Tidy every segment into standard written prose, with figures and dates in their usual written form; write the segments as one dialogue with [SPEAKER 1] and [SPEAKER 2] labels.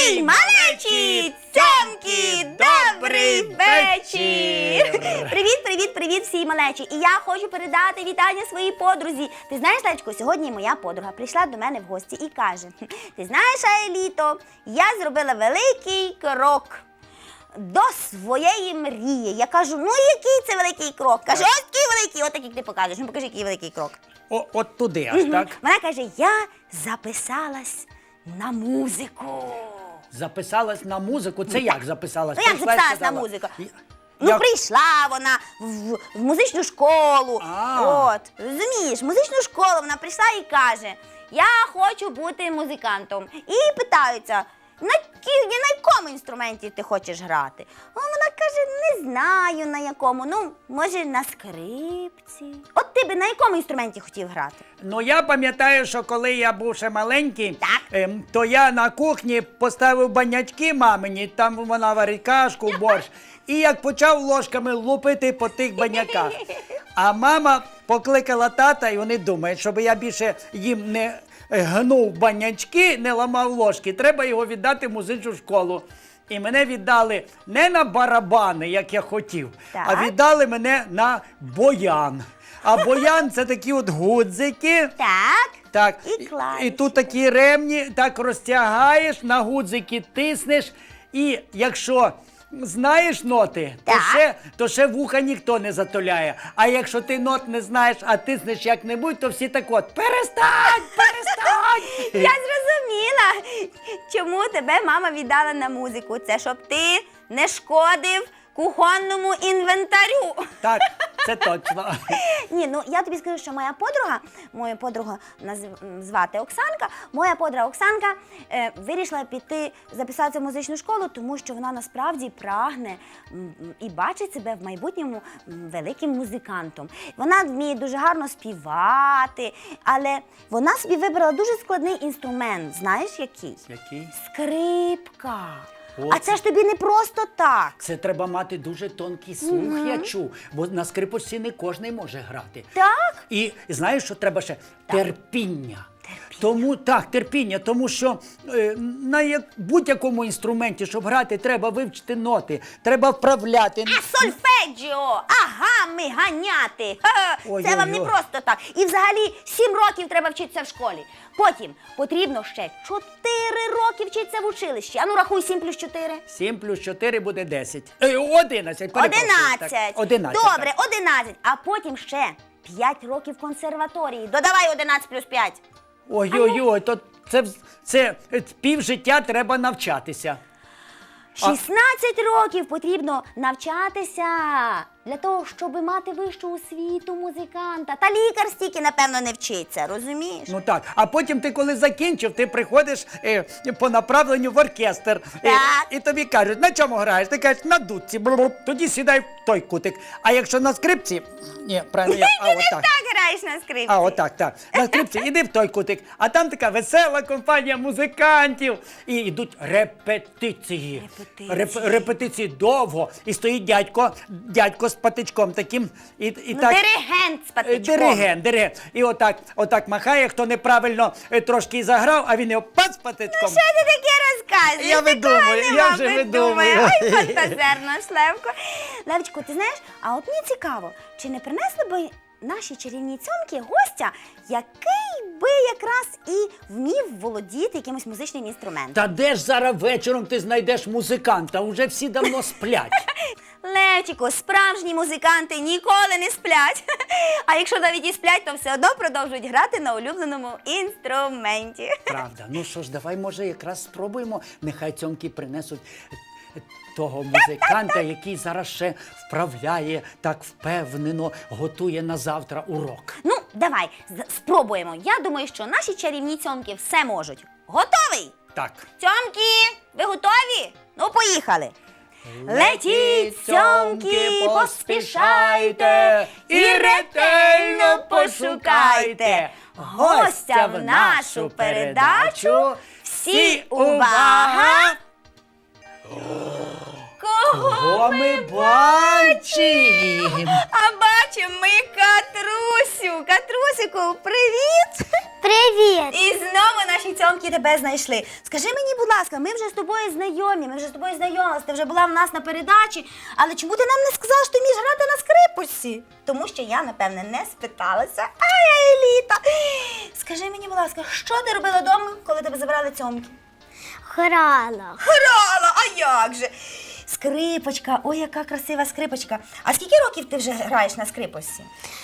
[SPEAKER 1] Всій малечі, цьомки, добрий вечір! Привіт всій малечі! І я хочу передати вітання своїй подрузі. Ти знаєш, Лечко, сьогодні моя подруга прийшла до мене в гості і каже: ти знаєш, Аеліто, я зробила великий крок до своєї мрії. Я кажу, ну який це великий крок? Каже, ось такий великий, от як ти покажеш. Ну покажи, який великий крок.
[SPEAKER 2] От туди аж, так?
[SPEAKER 1] Вона каже, я записалась на музику.
[SPEAKER 2] Записалась на музику? Це як записалась?
[SPEAKER 1] Ну як записалась на музику? Ну, прийшла вона в музичну школу. От, розумієш, в музичну школу вона прийшла і каже, я хочу бути музикантом. І питаються, на якому інструменті ти хочеш грати? А вона каже, не знаю на якому, ну, може на скрипці. От ти би на якому інструменті хотів грати?
[SPEAKER 2] Ну, я пам'ятаю, що коли я був ще маленький, то я на кухні поставив банячки мамині, там вона варить кашку, борщ. І як почав ложками лупити по тих баняках. А мама покликала тата, і вони думають, щоб я більше їм не гнув банячки, не ламав ложки, треба його віддати в музичну школу. І мене віддали не на барабани, як я хотів, а віддали мене на боян. А боян – це такі от гудзики. Так. І тут такі ремні, так розтягаєш, на гудзики тиснеш. І якщо знаєш ноти, то ще вуха ніхто не затуляє. А якщо ти нот не знаєш, а тиснеш як-небудь, то всі так от, перестань!
[SPEAKER 1] Я зрозуміла, чому тебе мама віддала на музику. Це щоб ти не шкодив кухонному інвентарю.
[SPEAKER 2] Так, це точно.
[SPEAKER 1] Ні, ну я тобі скажу, що мою подругу звати Оксанка, моя подруга Оксанка вирішила піти записатися в музичну школу, тому що вона насправді прагне і бачить себе в майбутньому великим музикантом. Вона вміє дуже гарно співати, але вона собі вибрала дуже складний інструмент. Знаєш, який?
[SPEAKER 2] Який?
[SPEAKER 1] Скрипка. А це ж тобі не просто так.
[SPEAKER 2] Це треба мати дуже тонкий слух, я чув, бо на скрипочці не кожний може грати.
[SPEAKER 1] Так?
[SPEAKER 2] І знаєш, що треба ще? Терпіння. Терпіння, тому що на будь-якому інструменті, щоб грати, треба вивчити ноти, треба вправляти.
[SPEAKER 1] А сольфеджіо, гами ганяти. Це вам не просто так. І взагалі 7 років треба вчитися в школі. Потім потрібно ще 4 роки вчитися в училищі. А ну рахуй 7 плюс 4.
[SPEAKER 2] 7 плюс 4 буде 10. 11, перепрошую.
[SPEAKER 1] 11. Добре, 11. А потім ще 5 років консерваторії. Додавай 11 плюс 5.
[SPEAKER 2] Ой-ой-ой, то це півжиття треба навчатися.
[SPEAKER 1] 16 років потрібно навчатися для того, щоб мати вищу освіту музиканта. Та лікар стільки, напевно, не вчиться, розумієш?
[SPEAKER 2] Ну так, а потім ти, коли закінчив, ти приходиш по направленню в оркестр. І тобі кажуть, на чому граєш? Ти кажеш, на дудці. Тоді сідай в той кутик. А якщо на скрипці... Ні, правильно,
[SPEAKER 1] Ти не так граєш на скрипці.
[SPEAKER 2] Так. На скрипці іди в той кутик. А там така весела компанія музикантів. І йдуть репетиції. Репетиції довго. І стоїть дядько з патичком таким.
[SPEAKER 1] Диригент з патичком.
[SPEAKER 2] Диригент. І отак махає, хто неправильно трошки заграв, а він його пац патичком.
[SPEAKER 1] Ну що ти таке розказуєш?
[SPEAKER 2] Я вже видумую.
[SPEAKER 1] Ой, фантазерно, Левко. Левчику, ти знаєш, а от мені цікаво, чи не принесли би наші чарівні цьомки гостя, який би якраз і вмів володіти якимось музичним інструментом?
[SPEAKER 2] Та де ж зараз вечором ти знайдеш музиканта? Уже всі давно сплять.
[SPEAKER 1] Левчику, справжні музиканти ніколи не сплять. А якщо навіть і сплять, то все одно продовжують грати на улюбленому інструменті.
[SPEAKER 2] Правда. Ну що ж, давай, може, якраз спробуємо. Нехай цьомки принесуть того музиканта, який зараз ще вправляє, так впевнено готує на завтра урок.
[SPEAKER 1] Ну, давай, спробуємо. Я думаю, що наші чарівні цьомки все можуть. Готовий?
[SPEAKER 2] Так.
[SPEAKER 1] Цьомки, ви готові? Ну, поїхали. Летіть, цьомки, поспішайте і ретельно пошукайте гостя в нашу передачу. Всі увага! Кого
[SPEAKER 2] ми бачимо?
[SPEAKER 1] А бачимо ми Катрусю. Катрусику, привіт!
[SPEAKER 3] Привіт!
[SPEAKER 1] І знову наші цьомки тебе знайшли. Скажи мені, будь ласка, ми вже з тобою знайомі, ми вже з тобою знайомилися, ти вже була в нас на передачі, але чому ти нам не сказала, що ти вмієш грати на скрипочці? Тому що я, напевне, не спиталася. Ай, Еліта! Скажи мені, будь ласка, що ти робила вдома, коли тебе забрали цьомки?
[SPEAKER 3] Грала.
[SPEAKER 1] Грала, а як же? Скрипочка, ой, яка красива скрипочка. А скільки років ти вже граєш на скрипочці?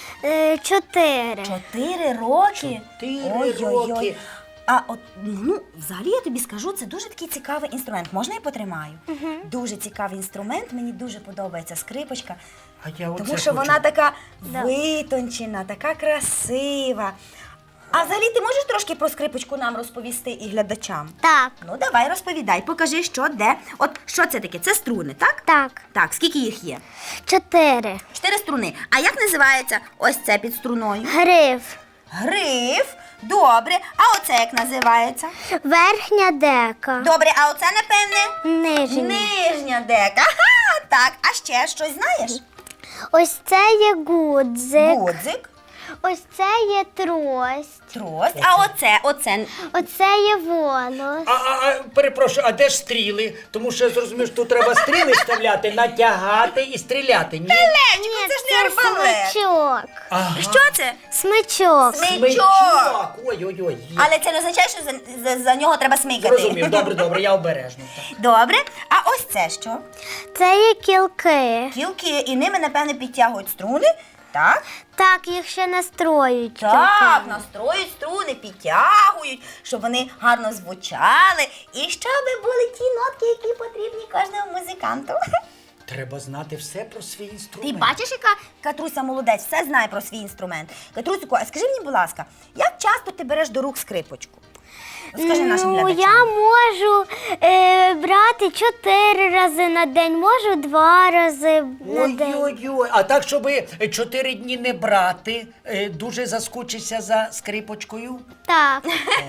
[SPEAKER 3] 4.
[SPEAKER 1] 4 роки?
[SPEAKER 2] 4 роки.
[SPEAKER 1] А от, ну, взагалі я тобі скажу, це дуже такий цікавий інструмент. Можна я потримаю? Дуже цікавий інструмент, мені дуже подобається скрипочка.
[SPEAKER 2] А я оце
[SPEAKER 1] Тому що
[SPEAKER 2] хочу.
[SPEAKER 1] вона така витончена, така красива. А взагалі ти можеш трошки про скрипочку нам розповісти і глядачам?
[SPEAKER 3] Так.
[SPEAKER 1] Ну, давай розповідай, покажи, що, де. От, що це таке? Це струни, так?
[SPEAKER 3] Так.
[SPEAKER 1] Так, скільки їх є?
[SPEAKER 3] 4.
[SPEAKER 1] 4 струни. А як називається ось це під струною?
[SPEAKER 3] Гриф.
[SPEAKER 1] Гриф. Добре. А оце як називається?
[SPEAKER 3] Верхня дека.
[SPEAKER 1] Добре, а оце, напевне?
[SPEAKER 3] Нижня.
[SPEAKER 1] Нижня дека. Ага, так. А ще щось знаєш?
[SPEAKER 3] Ось це є гудзик.
[SPEAKER 1] Гудзик,
[SPEAKER 3] Ось це є трость.
[SPEAKER 1] трость. А оце.
[SPEAKER 3] Оце є волос.
[SPEAKER 2] Перепрошую, а де ж стріли? Тому що я зрозумів, що тут треба стріли вставляти, натягати і стріляти. Ні?
[SPEAKER 1] Левчику, це ж не арбалет.
[SPEAKER 3] смичок.
[SPEAKER 2] Ага.
[SPEAKER 1] Що це?
[SPEAKER 3] Смичок.
[SPEAKER 1] Смичок.
[SPEAKER 2] Ой-ой-ой.
[SPEAKER 1] Але це не означає, що за нього треба смикати.
[SPEAKER 2] Зрозумів, добре, я обережно. Так.
[SPEAKER 1] Добре. А ось це що?
[SPEAKER 3] Це є кілки.
[SPEAKER 1] Кілки, і ними, напевне, підтягують струни. Так?
[SPEAKER 3] Так, їх ще настроюють.
[SPEAKER 1] Так,
[SPEAKER 3] кілками.
[SPEAKER 1] настроюють струни, підтягують, щоб вони гарно звучали і щоб були ті нотки, які потрібні кожному музиканту.
[SPEAKER 2] Треба знати все про свій
[SPEAKER 1] Ти
[SPEAKER 2] інструмент.
[SPEAKER 1] бачиш, яка Катруся молодець, все знає про свій інструмент. Катрусику, а скажи мені, будь ласка, як часто ти береш до рук скрипочку? Скажи нашим глядачам.
[SPEAKER 3] Я можу брати 4 рази на день, можу 2 рази на день.
[SPEAKER 2] Ой-ой-ой, а так, щоб 4 дні не брати, дуже заскучишся за скрипочкою?
[SPEAKER 3] Так.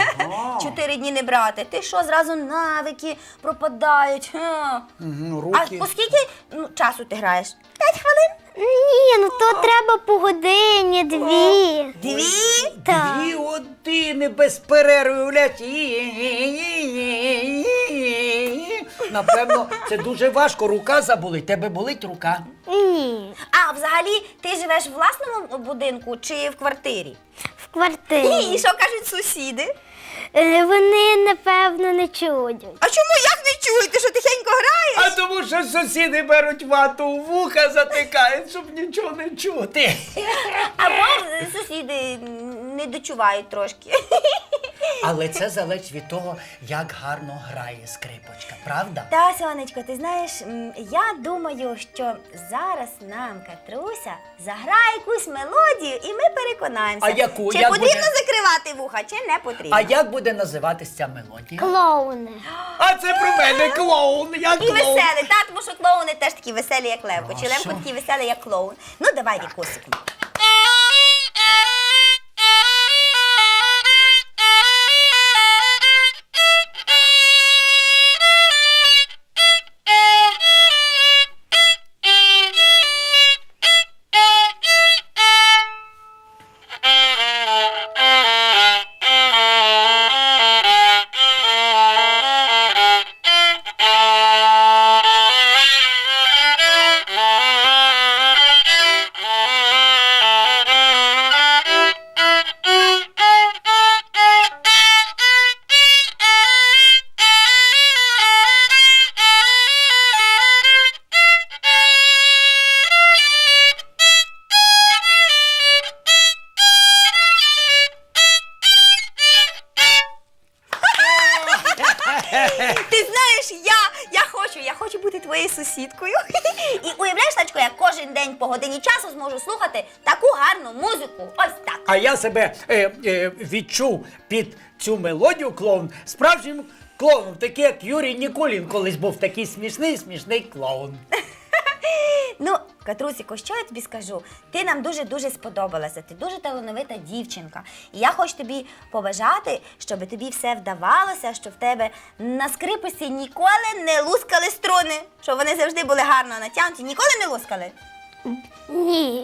[SPEAKER 1] 4 дні не брати. Ти що, зразу навики пропадають? Ха. А
[SPEAKER 2] Руки.
[SPEAKER 1] по скільки часу ти граєш? 5 хвилин?
[SPEAKER 3] Ні, ну то треба по годині, 2.
[SPEAKER 1] 2?
[SPEAKER 3] Так.
[SPEAKER 2] 2 години без перерви, уявляєш? Напевно, це дуже важко. Рука заболить. Тебе болить рука?
[SPEAKER 3] Ні.
[SPEAKER 1] А взагалі ти живеш в власному будинку чи в квартирі?
[SPEAKER 3] В квартирі.
[SPEAKER 1] І що кажуть сусіди?
[SPEAKER 3] Вони, напевно, не чують.
[SPEAKER 1] А чому як не чують? Ти що тихенько граєш?
[SPEAKER 2] А тому що сусіди беруть вату у вуха, затикають, щоб нічого не чути.
[SPEAKER 1] Або сусіди не дочувають трошки.
[SPEAKER 2] Але це залежить від того, як гарно грає скрипочка, правда?
[SPEAKER 1] Та, сонечко, ти знаєш, я думаю, що зараз нам Катруся заграє якусь мелодію, і ми переконаємося,
[SPEAKER 2] А яку?
[SPEAKER 1] чи
[SPEAKER 2] Як
[SPEAKER 1] потрібно
[SPEAKER 2] буде?
[SPEAKER 1] закривати вуха, чи не потрібно.
[SPEAKER 2] А як буде називатися ця мелодія?
[SPEAKER 3] Клоуни.
[SPEAKER 2] А це про мене клоун, я
[SPEAKER 1] І
[SPEAKER 2] клоун.
[SPEAKER 1] веселий, та, тому що клоуни теж такі веселі, як Левко.
[SPEAKER 2] А
[SPEAKER 1] Чи Левко
[SPEAKER 2] що?
[SPEAKER 1] такий веселий, як клоун. Ну, давай, Вікусику. Ти знаєш, я хочу бути твоєю сусідкою. І уявляєш, Тачко, я кожен день по годині часу зможу слухати таку гарну музику. Ось так.
[SPEAKER 2] А я себе відчув під цю мелодію клоун справжнім клоуном, такий як Юрій Нікулін колись був такий смішний клоун.
[SPEAKER 1] Ну, Катрусіко, що я тобі скажу? Ти нам дуже-дуже сподобалася. Ти дуже талановита дівчинка. І я хочу тобі побажати, щоб тобі все вдавалося, щоб в тебе на скрипочці ніколи не лускали струни. Щоб вони завжди були гарно натягнуті. Ніколи не лускали?
[SPEAKER 3] Ні.
[SPEAKER 1] А!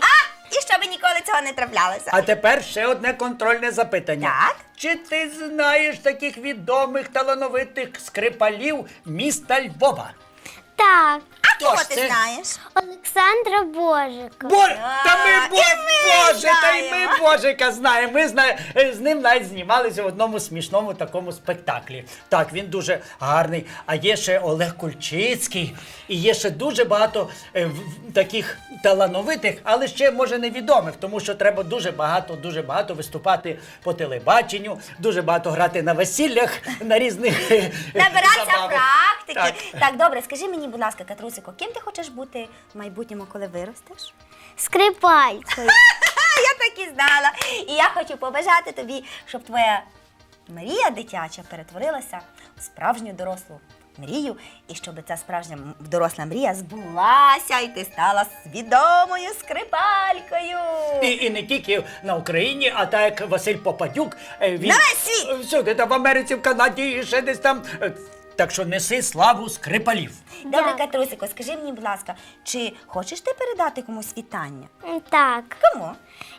[SPEAKER 1] І щоб ніколи цього не траплялося.
[SPEAKER 2] А тепер ще одне контрольне запитання.
[SPEAKER 1] Так.
[SPEAKER 2] Чи ти знаєш таких відомих талановитих скрипалів міста Львова?
[SPEAKER 3] Так,
[SPEAKER 1] А кого
[SPEAKER 2] Хто ж
[SPEAKER 1] ти
[SPEAKER 2] це?
[SPEAKER 1] знаєш?
[SPEAKER 3] Олександра Божика.
[SPEAKER 2] Та ми
[SPEAKER 1] і ми
[SPEAKER 2] Боже, та й ми
[SPEAKER 1] знаємо.
[SPEAKER 2] Божика знаємо. Ми з ним навіть знімалися в одному смішному такому спектаклі. Так, він дуже гарний. А є ще Олег Кульчицький, і є ще дуже багато таких талановитих, але ще може невідомих, тому що треба дуже багато виступати по телебаченню, дуже багато грати на весіллях, на різних
[SPEAKER 1] Набиратися
[SPEAKER 2] забавах.
[SPEAKER 1] практики. Так, добре, скажи мені, будь ласка, Катрусико, ким ти хочеш бути в майбутньому, коли виростеш?
[SPEAKER 3] Скрипалькою.
[SPEAKER 1] Я так і знала. І я хочу побажати тобі, щоб твоя мрія дитяча перетворилася в справжню дорослу мрію, і щоб ця справжня доросла мрія збулася, і ти стала відомою скрипалькою.
[SPEAKER 2] І не тільки на Україні, а так як Василь Попадюк. Він
[SPEAKER 1] На весь світ!
[SPEAKER 2] Всюди, там в Америці, в Канаді і ще десь там. Так що неси славу скрипалів.
[SPEAKER 1] Добре,
[SPEAKER 3] Так.
[SPEAKER 1] Катрусико, скажи мені, будь ласка, чи хочеш ти передати комусь вітання?
[SPEAKER 3] Так.
[SPEAKER 1] Кому?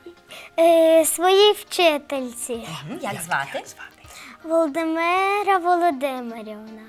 [SPEAKER 3] Своїй вчительці.
[SPEAKER 1] Як звати?
[SPEAKER 3] Володимира Володимирівна.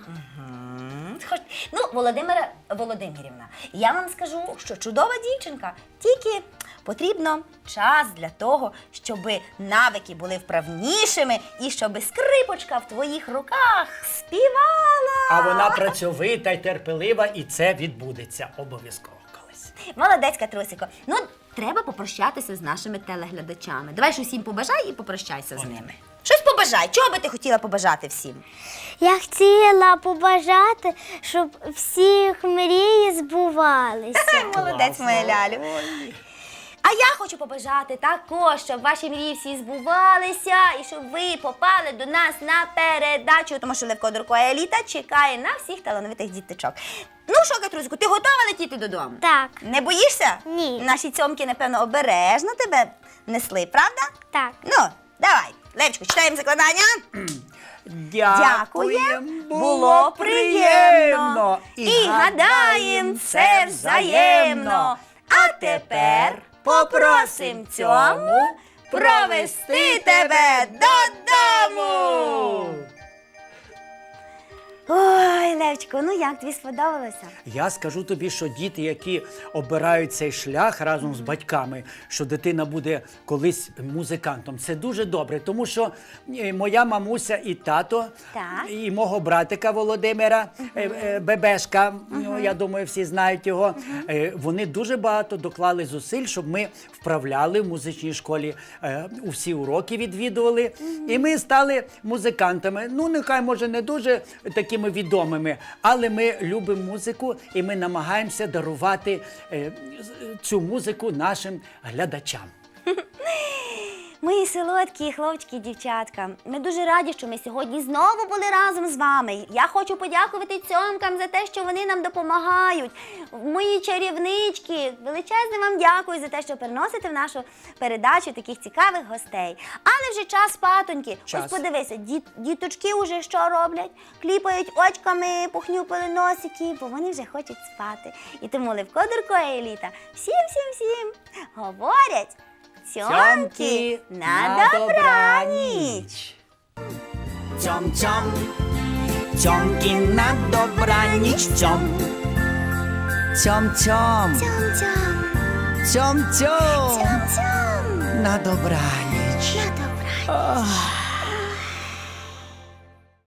[SPEAKER 1] Ну, Володимира Володимирівна, я вам скажу, що чудова дівчинка, тільки потрібно час для того, щоб навики були вправнішими і щоб скрипочка в твоїх руках співала.
[SPEAKER 2] А вона працьовита й терпелива, і це відбудеться обов'язково колись.
[SPEAKER 1] Молодець, Катрусико. Ну, треба попрощатися з нашими телеглядачами. Давай ж усім побажай і попрощайся з ними. Щось побажай. Чого би ти хотіла побажати всім?
[SPEAKER 3] Я хотіла побажати, щоб всіх мрії збувалися.
[SPEAKER 1] Молодець, моя лялю. А я хочу побажати також, щоб ваші мрії всі збувалися і щоб ви попали до нас на передачу, тому що Левко Дурко Еліта чекає на всіх талановитих діточок. Ну що, Катрусику, ти готова летіти додому?
[SPEAKER 3] Так.
[SPEAKER 1] Не боїшся?
[SPEAKER 3] Ні.
[SPEAKER 1] Наші цьомки, напевно, обережно тебе несли, правда?
[SPEAKER 3] Так.
[SPEAKER 1] Ну, давай, Левчику, читаємо закладання. Дякуєм, було приємно. І гадаєм, це взаємно. А тепер попросим цьому провести тебе додому. Ой, Левчику, ну як, тобі сподобалося?
[SPEAKER 2] Я скажу тобі, що діти, які обирають цей шлях разом з батьками, що дитина буде колись музикантом, це дуже добре, тому що моя мамуся і тато,
[SPEAKER 1] Так.
[SPEAKER 2] і мого братика Володимира, Бебешка, ну, я думаю, всі знають його, вони дуже багато доклали зусиль, щоб ми вправляли в музичній школі, у всі уроки відвідували, і ми стали музикантами. Ну, нехай, може, не дуже такими відомими, але ми любимо музику і ми намагаємося дарувати цю музику нашим глядачам.
[SPEAKER 1] Мої солодкі хлопчики і дівчатка, ми дуже раді, що ми сьогодні знову були разом з вами. Я хочу подякувати цьомкам за те, що вони нам допомагають. Мої чарівнички, величезне вам дякую за те, що приносите в нашу передачу таких цікавих гостей. Але вже час спатоньки.
[SPEAKER 2] Час.
[SPEAKER 1] Ось подивися, діточки вже що роблять? Кліпають очками, похнюпили носики, бо вони вже хочуть спати. І тому Левко Дурко Еліта всім говорять цьомки на добраніч!
[SPEAKER 4] Цьом-цьом, цьомки на добраніч, цьом. Цьом-цьом, цьом-цьом, на добраніч.
[SPEAKER 3] На добраніч.